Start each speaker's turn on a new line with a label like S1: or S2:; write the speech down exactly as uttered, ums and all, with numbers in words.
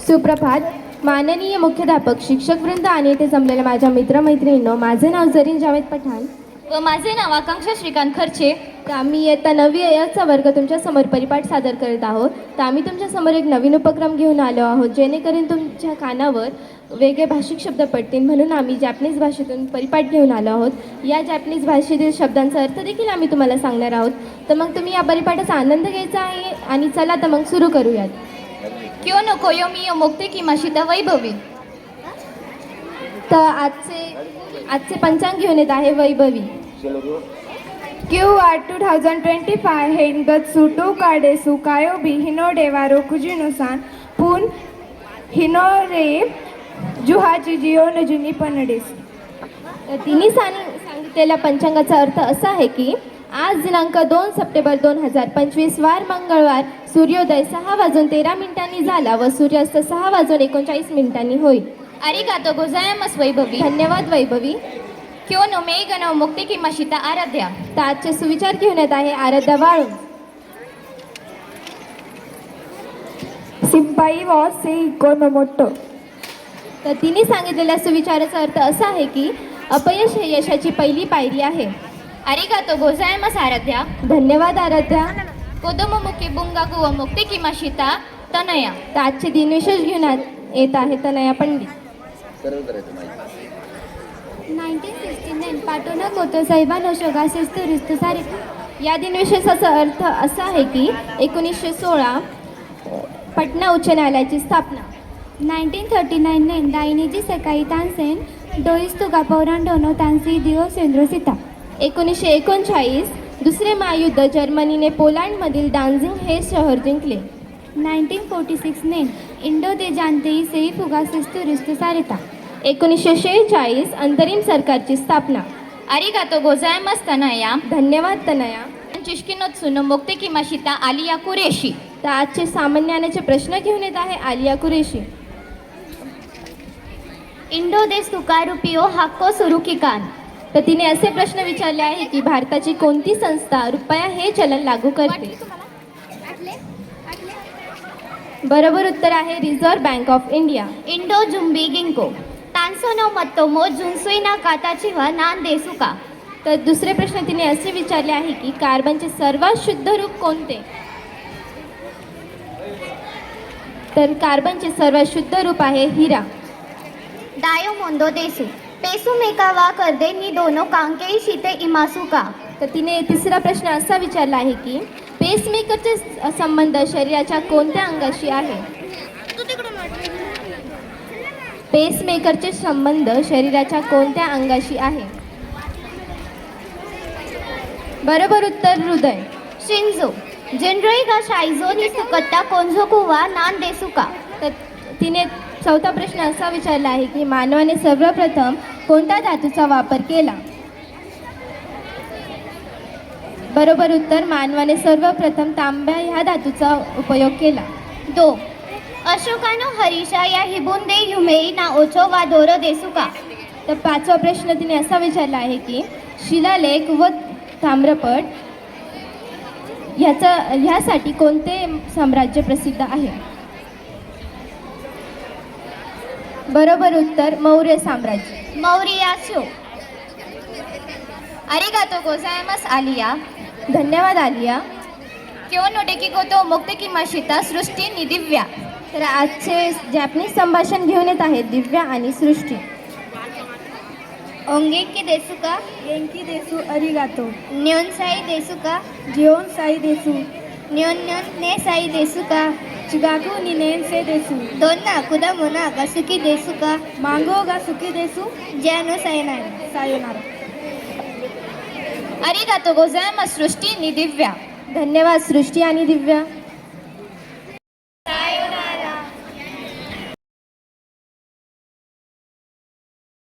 S1: सुप्रभात. माननीय मुख्याध्यापक, शिक्षकवृंद आणि येथे जमलेल्या माझ्या मित्रमैत्रिणींनो, माझे नाव जरीन जावेद पठाण
S2: व माझे नाव आकांक्षा श्रीकांत खर्चे.
S1: तर आम्ही इयत्ता नववी याचा वर्ग तुमच्यासमोर परिपाठ सादर करत आहोत. तर आम्ही तुमच्यासमोर एक नवीन उपक्रम घेऊन आलो आहोत, जेणेकरून तुमच्या कानावर वेगळे भाषिक शब्द पडतील, म्हणून आम्ही जॅपनीज भाषेतून परिपाठ घेऊन आलो आहोत. या जॅपनीज भाषेतील शब्दांचा अर्थ देखील आम्ही तुम्हाला सांगणार आहोत. तर मग तुम्ही या परिपाठाचा आनंद घ्यायचा आहे. आणि चला तर मग सुरू करूयात.
S2: क्यों नो कोयोमी मोक्ते की माशिता वैभवी.
S1: तर आजचे आजचे पंचांग घेऊन येत आहे वैभवी.
S3: क्यू आर टू थाउजंड ट्वेंटी फाय हेनगत्सु टू काडेसु कायोबी हिनोडेवारो कुजिनुसान पुन हिनोरे जुहाची जिओ नजुनी पनडेस.
S1: तर तिन्ही सांग सांगितलेल्या पंचांगाचा अर्थ असा आहे की आज दिनांक दोन सप्टेंबर दोन हजार पंचवीस वार मंगळवार सूर्योदय सहा वाजून तेरा मिनिटांनी झाला व सूर्यास्त सहा वाजून एकोणचाळीस मिनिटांनी होईल.
S2: अरिगातो गोजायामस वैभवी.
S1: धन्यवाद वैभवी.
S2: क्यों नो मेघनो मोक्ते की माशिता आराध्या.
S1: तर आजचे सुविचार घेऊन येत आहे आराध्या वाळून.
S3: सिंपाई वॉज से इकोनोमोटो.
S1: तर तिने सांगितलेल्या सुविचाराचा अर्थ असा आहे की अपयश हे यशाची पहिली पायरी आहे.
S2: अरिगातो गोजायामस आराध्या.
S1: धन्यवाद आराध्या.
S2: कोदोमो मुके बुंगागु व मोक्ते की माशिता तनया.
S1: तर आजचे दिनविशेष घेऊन आ- येत आहे Tanaya Pandit.
S4: Nineteen sixty nine पाटोना कोतो साहेबानो शोगा शिस्तू रिस्तू सारे.
S1: या दिनविशेषाचा अर्थ असा आहे की एकोणीसशे सोळा पटना उच्च न्यायालयाची स्थापना.
S4: नाईन्टीन थर्टी नाईन नेन दायनीजी सकाळी तानसेन डोईस्तुगा पौरांडोनो तानसी दिओ सेंद्रो सीता.
S1: एकोणीसशे एकोणचाळीस दुसरे महायुद्ध जर्मनीने पोलंडमधील डान्झिंग हे शहर जिंकले.
S4: नाईन्टीन फोर्टी सिक्स नेन इंडो दे जानतेई सेई फुगा शिस्तू रिस्तू सारेता.
S1: एकोणीसशे शेहेचाळीस अंतरिम सरकारची स्थापना.
S2: अरिगातो गोजायामस तनया.
S1: धन्यवाद तनया.
S2: चिश्किनोत्सुनो मोक्ते की माशिता आलिया कुरेशी.
S1: तर आजचे सामान्याचे प्रश्न घेऊन येत आहे आलिया कुरेशी.
S2: इंडो दे सुकारुपियो हाक्को सुरुकिकान.
S1: तर तिने असे प्रश्न विचारले आहे की भारताची कोणती संस्था रुपया हे चलन लागू करते. बरोबर उत्तर आहे रिझर्व्ह बँक ऑफ इंडिया.
S2: इंडो जुम्बी गिंको. तान्सोनो मत्तोमो जुन्सुईना काताची व नान देसुका.
S1: तर दुसरे प्रश्न तिने असे विचारले आहे की कार्बनचे सर्वात शुद्ध रूप कोणते. तर कार्बनचे सर्वात शुद्ध रूप आहे हिरा.
S2: दायो मोंदो देसु. पेसु मेका वा करदे नि दोनो कांकेई शीते इमासुका.
S1: तर तिने तिसरा प्रश्न असा विचारला आहे की पेसमेकरचे संबंध शरीराच्या कोणत्या अंगाशी आहे. पेसमेकरचे संबंध शरीराच्या कोणत्या अंगाशी आहे. बरोबर उत्तर हृदय.
S2: शिंजो. जनरई गा शाइजो नि सुकत्ता कोंझोकु वा नान देसुका.
S1: तर तिने चौथा प्रश्न असा विचारला आहे की मानवाने सर्वप्रथम कोणत्या धातूचा वापर केला. बरोबर उत्तर मानवाने सर्वप्रथम तांब्या ह्या धातूचा उपयोग केला.
S2: दो. अशोकानो हरीशा या हिबुंदे युमेई ना ओचो वा दोरो देसुका.
S1: तर पाचवा प्रश्न तिने असा विचारला आहे की शिलालेख व ताम्रपट ह्याचा ह्यासाठी कोणते साम्राज्य प्रसिद्ध आहे. बरोबर उत्तर मौर्य साम्राज्य.
S2: मौर्यास्यो. अरिगातो गोजायामस आलिया.
S1: धन्यवाद आलिया.
S2: क्यों नो टेकी कोतो मोक्ते की माशिता सृष्टी नि दिव्या.
S1: तर आजचे जॅपनीज संभाषण घेऊन येत आहेत दिव्या आणि सृष्टी.
S2: ओंगे की देसुका.
S3: गेंकी देसु अरिगातो.
S2: न्योन साई देसुका.
S3: जिओन साई देसु.
S2: न्योन न्योन ने साई देसुका.
S3: चिगाकू निनेन से देसु.
S2: दोन्ना कुदा मोना गसुकी देसुका.
S3: मांगो गा सुकी देसु.
S2: ज्यानो सायनारा.
S3: सायोनारा.
S2: अरिगातो गोजायामस सृष्टी नि दिव्या.
S1: धन्यवाद सृष्टी आणि दिव्या.